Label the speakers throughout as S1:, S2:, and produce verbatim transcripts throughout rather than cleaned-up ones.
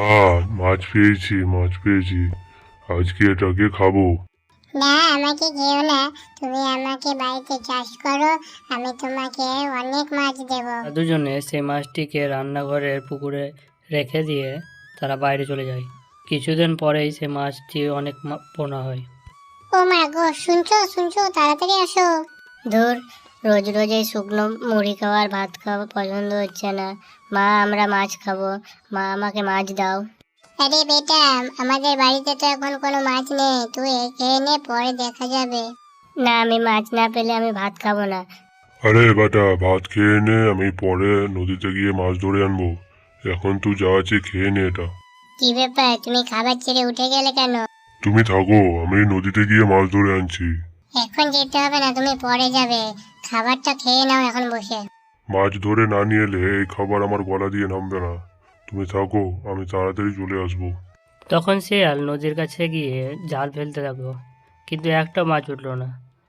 S1: আহ মাছ পেয়েছি মাছ পেয়েছি আজকে এটাকে খাবো।
S2: না, আমাকে খেও না। তুমি আমাকে বাড়িতে চাষ করো, আমি তোমাকে অনেক মাছ দেব।
S3: তারা দুজনে সেই মাছটিকে রান্নাঘরের পুকুরে রেখে দিয়ে তারা বাইরে চলে যায়। কিছুদিন পরেই সে মাছটি অনেক মা- পোনা হয়।
S2: ও মা গো, শুনছো শুনছো, তাড়াতাড়ি আসো। ধুর, রোজ রোজ এই শুকনো মুড়ি খাওয়ার ভাত খাওয়া পছন্দ হচ্ছে না। মা, আমরা মাছ খাবো, মা আমাকে মাছ দাও। আরে বেটা, আমাদের বাড়িতে তো এখন কোনো মাছ নেই, তুই খেয়ে নে, পরে দেখা যাবে। না, আমি মাছ না পেলে আমি ভাত খাবো না।
S1: আরে বেটা, ভাত খেয়ে নে, আমি পরে নদীতে গিয়ে মাছ ধরে আনবো। এখন তুই যা আছে খেয়ে নে এটা।
S2: কি ব্যাপার, তুমি খাবার ছেড়ে উঠে গেলে কেন?
S1: তুমি থাকো, আমি নদীতে গিয়ে মাছ ধরে আনছি।
S2: এখন যেতে হবে না, তুমি পরে যাবে। খাবারটা খেয়ে নাও এখন বসে।
S1: মাছ ধরে না নিয়ে এলে এই খাবার আমার গলা দিয়ে নামবে না। তুমি থাকো, আমি তাড়াতাড়ি চলে আসবো।
S3: তখন শিয়াল নদীর কাছে গিয়ে জাল ফেলতে লাগলো, কিন্তু একটা মাছ উঠল না।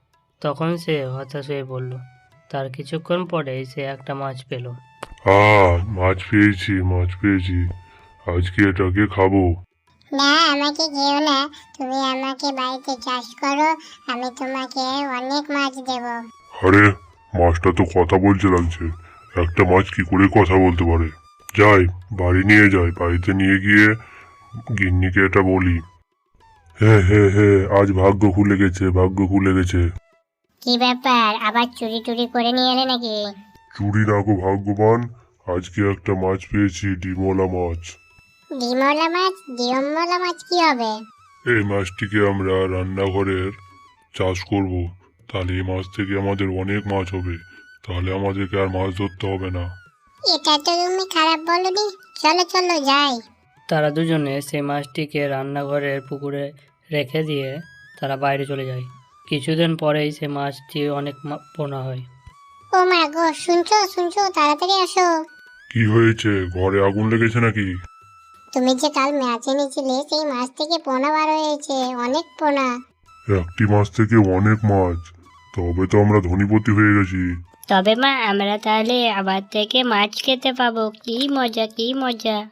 S3: তখন সে হতাশ হয়ে পড়ল। তার কিছুক্ষণ পরেই সে একটা মাছ পেল।
S1: আহ মাছ পেয়েছি মাছ পেয়েছি আজকে এটাকে খাবো।
S2: না, আমাকে খেও না। তুমি আমাকে বাড়িতে চাষ করো, আমি তোমাকে অনেক মাছ দেব।
S1: আরে, মাছটা তো কথা বলছে লাগছে। একটা মাছ কি করে কথা বলতে পারে? যাই, বাড়ি নিয়ে যাই, বাড়িতে নিয়ে গিয়ে গিন্নিকে এটা বলি। হ্যাঁ হ্যাঁ হ্যাঁ, আজ ভাগ্য খুলে গেছে, ভাগ্য খুলে গেছে।
S2: কি ব্যাপার, আবার চুরি টুরি করে নিয়ে এলে নাকি?
S1: চুরি না গো ভাগ্যবান, আজকে একটা মাছ পেয়েছি, ডিমওয়ালা মাছ।
S2: ডিমওয়ালা মাছ? ডিমওয়ালা মাছ কি হবে?
S1: এই মাছটিকে আমরা রান্নাঘরের চাষ করব। তাহলে এই মাছ থেকে আমাদের অনেক মাছ হবে। তাহলে আমাদেরকে আর মাছ ধরতে হবে না।
S2: এটা তো তুমি খারাপ বলনি। চলো চলো যাই।
S3: তারা দুজনে সেই মাছটিকে রান্নাঘরের পুকুরে রেখে দিয়ে তারা বাইরে চলে যায়। কিছুদিন পরেই সে মাছটি অনেক মা- পোনা হয়।
S2: ও মা গো, শুনছো শুনছো, তাড়াতাড়ি আসো।
S1: কি হয়েছে, ঘরে আগুন লেগেছে নাকি?
S2: তুমি যে কাল মাছ এনেছিলে, সেই মাছ থেকে পোনা বার হয়েছে, অনেক পোনা।
S1: একটি মাছ থেকে অনেক মাছ, তবে তো আমরা ধনীপতি হয়ে গেছি।
S2: তবে মা, আমরা তাহলে আবার থেকে মাছ খেতে পাবো। কি মজা কি মজা।